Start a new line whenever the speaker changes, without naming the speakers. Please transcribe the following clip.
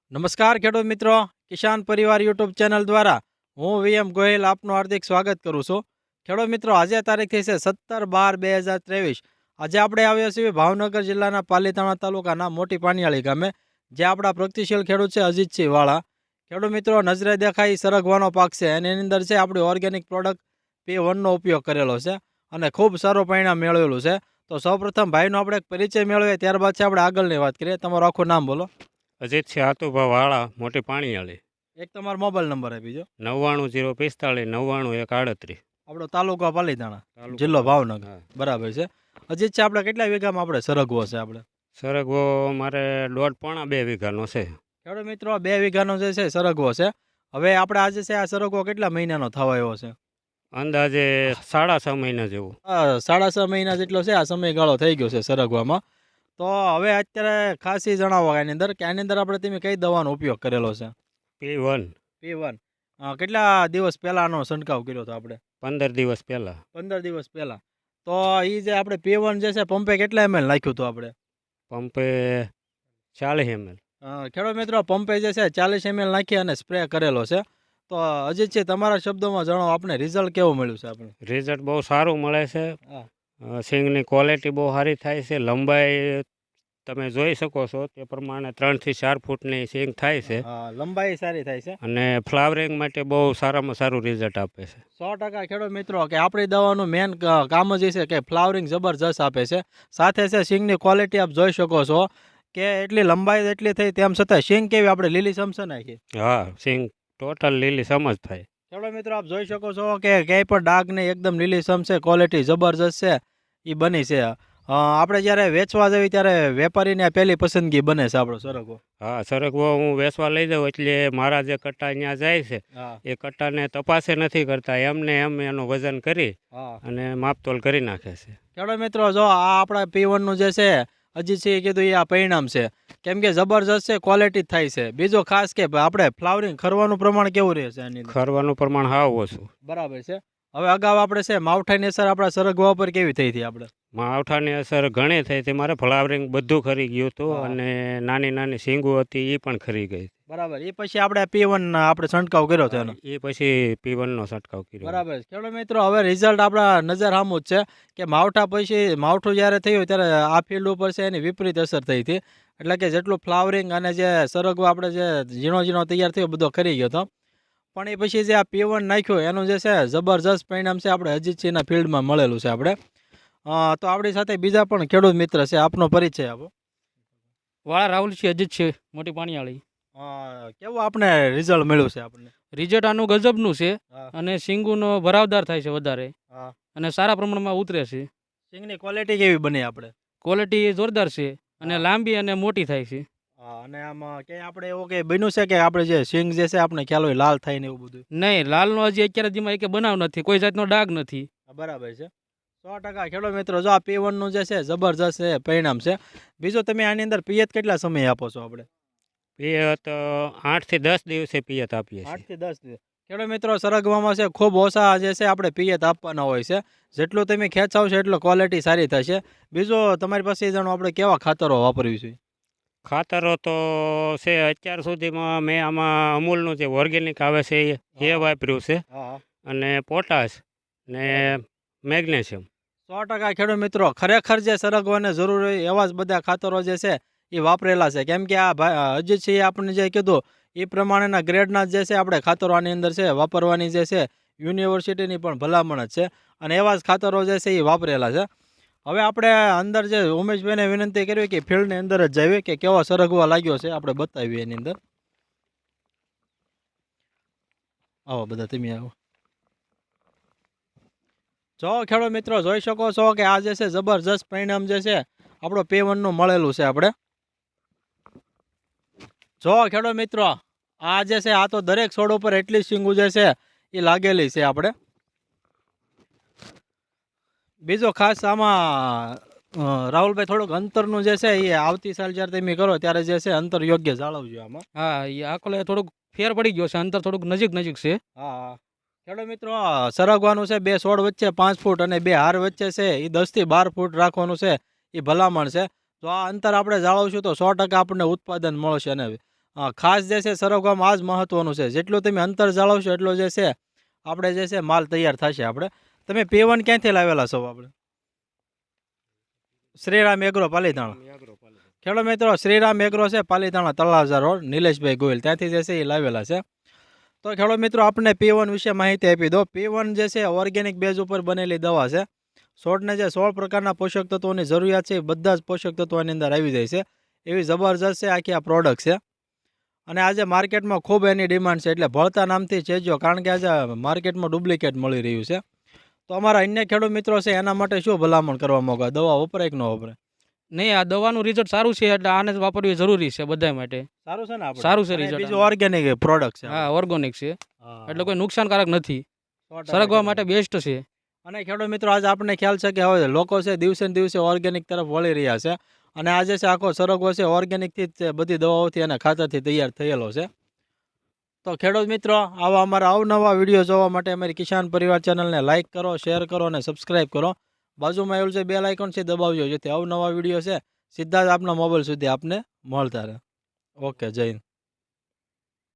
નમસ્કાર ખેડૂત મિત્રો, કિસાન પરિવાર યુટ્યુબ ચેનલ દ્વારા હું વીએમ ગોહિલ આપનું હાર્દિક સ્વાગત કરું છું. ખેડૂત મિત્રો, આજે તારીખ થઈ છે 17/12/2023. આજે આપણે આવ્યા છીએ ભાવનગર જિલ્લાના પાલીતાણા તાલુકાના મોટી પાનિયાળી ગામે, જે આપણા પ્રગતિશીલ ખેડૂત છે અજીતસિંહ વાળા. ખેડૂત મિત્રો, નજરે દેખાય સરગવાનો પાક છે અને એની અંદર છે આપણી ઓર્ગેનિક પ્રોડક્ટ P1નો ઉપયોગ કરેલો છે અને ખૂબ સારું પરિણામ મેળવેલું છે. તો સૌપ્રથમ ભાઈનો આપણે એક પરિચય મેળવીએ, ત્યારબાદ છે આપણે આગળની વાત કરીએ. તમારું આખું નામ બોલો.
અજીતસિંહ આતુભા વાળા, મોટી પાણીયાળી.
એક તમારો મોબાઈલ નંબર આપી દો.
99 045 91 138.
આપણો તાલુકો પાલીતાણા,
તાલુકો
જિલ્લો ભાવનગર.
હા.
બરાબર છે. અજીત છે, આપણે કેટલા વીઘામાં આપણે સરગવો છે આપણે?
સરગવો મારે 1.5 વીઘાનો છે.
ખેડૂત મિત્રો, 2 વીઘાનો જે છે સરગવો છે. હવે આપણે આજે છે આ સરગવો કેટલા મહિનાનો થવા આવ્યો છે?
અંદાજે 6.5 મહિના જેવું.
6.5 મહિના જેટલો છે આ સમયગાળો થઈ ગયો છે સરગવામાં. તો હવે અત્યારે ખાસ એ જણાવો આની અંદર કે આની અંદર આપણે તમે કઈ દવાનો ઉપયોગ કરેલો છે?
P1.
P1. કેટલા દિવસ પહેલાંનો છંટકાવ કર્યો હતો આપણે?
15 દિવસ પહેલાં.
15 દિવસ પહેલાં. તો એ જે આપણે P1 જે છે પંપે કેટલા ml નાખ્યું હતું આપણે?
પંપે 40 ml.
ખેડૂત મિત્રો, પંપે જે છે 40 ml નાખી અને સ્પ્રે કરેલો છે. તો અજીતજી, તમારા શબ્દોમાં જણાવો, આપણે રિઝલ્ટ કેવું મળ્યું છે આપણે?
રિઝલ્ટ બહુ સારું મળે છે.
હા.
સિંગની ક્વોલિટી બહુ સારી થાય છે. લંબાઈ તમે જોઈ શકો છો તે પ્રમાણે 3 થી 4 ફૂટની સિંગ થાય છે.
હા, લંબાઈ સારી થાય છે.
અને ફ્લાવરિંગ માટે બહુ સારામાં સારું રિઝલ્ટ આપે છે.
100% ખેડૂત મિત્રો, કે આપણી દવાનું મેન કામ જ એ છે કે ફ્લાવરિંગ જબરજસ્ત આપે છે. સાથે છે સિંગની ક્વોલિટી આપ જોઈ શકો છો કે એટલી લંબાઈ એટલી થઈ, તેમ છતાં સિંગ કેવી આપણે લીલી સમસે નાખી.
હા, સિંગ ટોટલ લીલી સમજ થાય.
ખેડૂત મિત્રો, આપ જોઈ શકો છો કે ક્યાંય પણ ડાઘ નહીં, એકદમ લીલી સમ છે, ક્વોલિટી જબરજસ્ત છે એ બની છે. આપણે જ્યારે વેચવા જઈએ ત્યારે વેપારીને પહેલી પસંદગી બને છે આપણો સરગવો.
હા, સરગવો હું વેચવા લઈ જાઉં એટલે મારા જે કટ્ટા ત્યાં જાય છે
હા.
એ કટ્ટાને તપાસે નથી કરતા, એમને એમ એનું વજન કરી
હા.
અને માપતોલ કરી નાખે છે.
ખેડૂત મિત્રો, જો આ આપણા P1નું જે છે અજીતસિંહે કીધું એ આ પરિણામ છે, કેમ કે જબરજસ્ત છે, ક્વોલિટી થાય છે. બીજો ખાસ કે આપણે ફ્લાવરિંગ ખરવાનું પ્રમાણ કેવું રહે છે આની અંદર?
ખરવાનું પ્રમાણ હાવ ઓછું.
બરાબર છે. હવે અગાઉ આપણે છે માવઠાની અસર આપણા સરગવા ઉપર કેવી થઈ હતી આપણે?
માવઠાની અસર ઘણી થઈ હતી. મારે ફ્લાવરિંગ બધું ખરી ગયું હતું
હા.
અને નાની નાની સિંગો હતી એ પણ ખરી ગઈ.
બરાબર. એ પછી આપણે P1 આપણે છંટકાવ કર્યો હતો એનો.
એ પછી P1નો છંટકાવ કર્યો.
બરાબર. ખેડૂત મિત્રો, હવે રિઝલ્ટ આપણા નજર સામું જ છે કે માવઠા પછી માવઠું જ્યારે થયું ત્યારે આ ફિલ્ડ ઉપર છે એની વિપરીત અસર થઈ હતી. એટલે કે જેટલું ફ્લાવરિંગ અને જે સરગવો આપણે જે ઝીણો ઝીણો તૈયાર થયો બધો ખરી ગયો હતો. પણ એ પછી જે આ P1 નાખ્યું એનું જે છે જબરજસ્ત પરિણામ છે આપણે અજીતસિંહના ફિલ્ડમાં મળેલું છે આપણે. તો આપણી સાથે બીજા પણ ખેડૂત મિત્ર છે, આપનો પરિચય આપો.
વાળા રાહુલ છે, અજીત છે, મોટી પાણીયાળી.
કેવું આપણે રિઝલ્ટ મળ્યું છે આપણને?
રિઝલ્ટ આનું ગજબનું છે
હા.
અને સિંગુનો ભરાવદાર થાય છે વધારે
હા.
અને સારા પ્રમાણમાં ઉતરે છે.
સિંગની ક્વોલિટી કેવી બની આપણે?
ક્વોલિટી જોરદાર છે અને
હા.
લાંબી અને મોટી થાય છે.
અને આમાં ક્યાંય આપણે એવું કંઈ બન્યું છે કે આપણે જે સિંગ જે છે આપણે ખ્યાલ હોય લાલ થાય ને એવું બધું?
નહીં, લાલનો હજી અત્યારે જેમાં એક બનાવ નથી, કોઈ જાતનો ડાઘ નથી.
બરાબર છે. 100% ખેડૂત મિત્રો, જો આ P1નું જે છે જબરજસ્ત છે પરિણામ છે. બીજું, તમે આની અંદર પિયત કેટલા સમય આપો છો આપણે?
પિયત 8 થી 10 દિવસે પિયત આપીએ
8
છીએ.
થી 10 દિવસ. ખેડૂત મિત્રો, સરગવામાં છે ખૂબ ઓછા જે છે આપણે પિયત આપવાના હોય છે. જેટલું તમે ખેંચાવશો એટલો ક્વોલિટી સારી થશે. બીજું, તમારી પાસે જાણો આપણે કેવા ખાતરો વાપરવી જોઈએ?
ખાતરો તો છે અત્યાર સુધીમાં મેં આમાં અમૂલનું જે ઓર્ગેનિક આવે છે એ વાપર્યું છે
હા.
અને પોટાશ ને મેગ્નેશિયમ.
100% ખેડૂત મિત્રો, ખરેખર જે સરગવાને જરૂર હોય એવા જ બધા ખાતરો જે છે એ વાપરેલા છે. કેમ કે આ અજીતસિંહે આપણને જે કીધું એ પ્રમાણેના ગ્રેડના જે છે આપણે ખાતરો આની અંદર છે વાપરવાની જે છે યુનિવર્સિટીની પણ ભલામણ જ છે અને એવા જ ખાતરો જે છે એ વાપરેલા છે. હવે આપણે અંદર જે ઉમેશભાઈને વિનંતી કરવી કે ફિલ્ડની અંદર જ જઈએ કે કેવો સરગવા લાગ્યો છે આપણે બતાવીએ એની અંદર. આવો બધા તમે આવો. જો ખેડૂત મિત્રો, જોઈ શકો છો કે આ જે છે જબરજસ્ત પરિણામ જે છે આપણો P1નું મળેલું છે આપણે. જો ખેડૂત મિત્રો, આ જે છે આ તો દરેક છોડ ઉપર એટલી સિંગુ જે છે એ લાગેલી છે આપણે. બીજો ખાસ આમાં રાહુલભાઈ, થોડુંક અંતરનું જે છે એ આવતી સાલ જ્યારે તમે કરો ત્યારે જે છે અંતર યોગ્ય જાળવજો આમાં.
હા, એ આકલે થોડુંક ફેર પડી ગયો છે, અંતર થોડુંક નજીક છે.
હા. ખેડૂત મિત્રો, સરગવાનું છે 2 છોડ વચ્ચે 5 ફૂટ અને 2 હાર વચ્ચે છે એ 10 થી 12 ફૂટ રાખવાનું છે એ ભલામણ છે. તો આ અંતર આપણે જાળવશું તો 100% આપણને ઉત્પાદન મળશે અને ખાસ જે છે સરગવામાં આ જ મહત્વનું છે. જેટલું તમે અંતર જાળવશો એટલો જે છે આપણે જે છે માલ તૈયાર થશે. આપણે તમે P1 ક્યાંથી લાવેલા છો? આપણે શ્રીરામ એગ્રો પાલીતાણા. ખેડૂત મિત્રો, શ્રીરામ એગ્રો છે પાલીતાણા તળાજા રોડ, નિલેશભાઈ ગોયલ ત્યાંથી જે છે એ લાવેલા છે. તો ખેડૂત મિત્રો, આપણને P1 વિશે માહિતી આપી દો. P1 જે છે ઓર્ગેનિક બેઝ ઉપર બનેલી દવા છે. છોડને જે 16 પ્રકારના પોષક તત્વોની જરૂરિયાત છે એ બધા જ પોષક તત્વો આની અંદર આવી જાય છે. એવી જબરજસ્ત છે આખી આ પ્રોડક્ટ છે. અને આજે માર્કેટમાં ખૂબ એની ડિમાન્ડ છે, એટલે ભળતા નામથી ચેજો, કારણ કે આજે માર્કેટમાં ડુપ્લિકેટ મળી રહ્યું છે. તો અમારા અન્ય ખેડૂત મિત્રો છે એના માટે શું ભલામણ કરવા માંગો? દવા વપરાય કે ન વપરાય?
નહીં, આ દવાનું રિઝલ્ટ સારું છે એટલે આને જ વાપરવી જરૂરી છે બધા માટે.
સારું છે ને? આપણે
સારું છે
અને
result
બીજું
આનું.
ઓર્ગેનિક પ્રોડક્ટ છે.
હા, ઓર્ગોનિક છે
હા.
એટલે કોઈ નુકસાનકારક નથી.
100%
સરગવા માટે બેસ્ટ છે.
અને ખેડૂત મિત્રો, આજે આપણને ખ્યાલ છે કે હવે લોકો છે દિવસે ને દિવસે ઓર્ગેનિક તરફ વળી રહ્યા છે. અને આજે છે આખો સરગવો છે ઓર્ગેનિકથી જ બધી દવાઓથી અને ખાતરથી તૈયાર થયેલો છે. તો ખેડૂત મિત્રો, આવા અમારા અવનવા વિડીયો જોવા માટે અમારી કિસાન પરિવાર ચેનલને લાઇક કરો, શેર કરો અને સબસ્ક્રાઇબ કરો. બાજુમાં એવું છે બેલ આઇકોન છે, દબાવજો, જેથી અવનવા વિડીયો છે સીધા જ આપના મોબાઈલ સુધી આપને મળતા રહે. ઓકે, જય હિન્દ.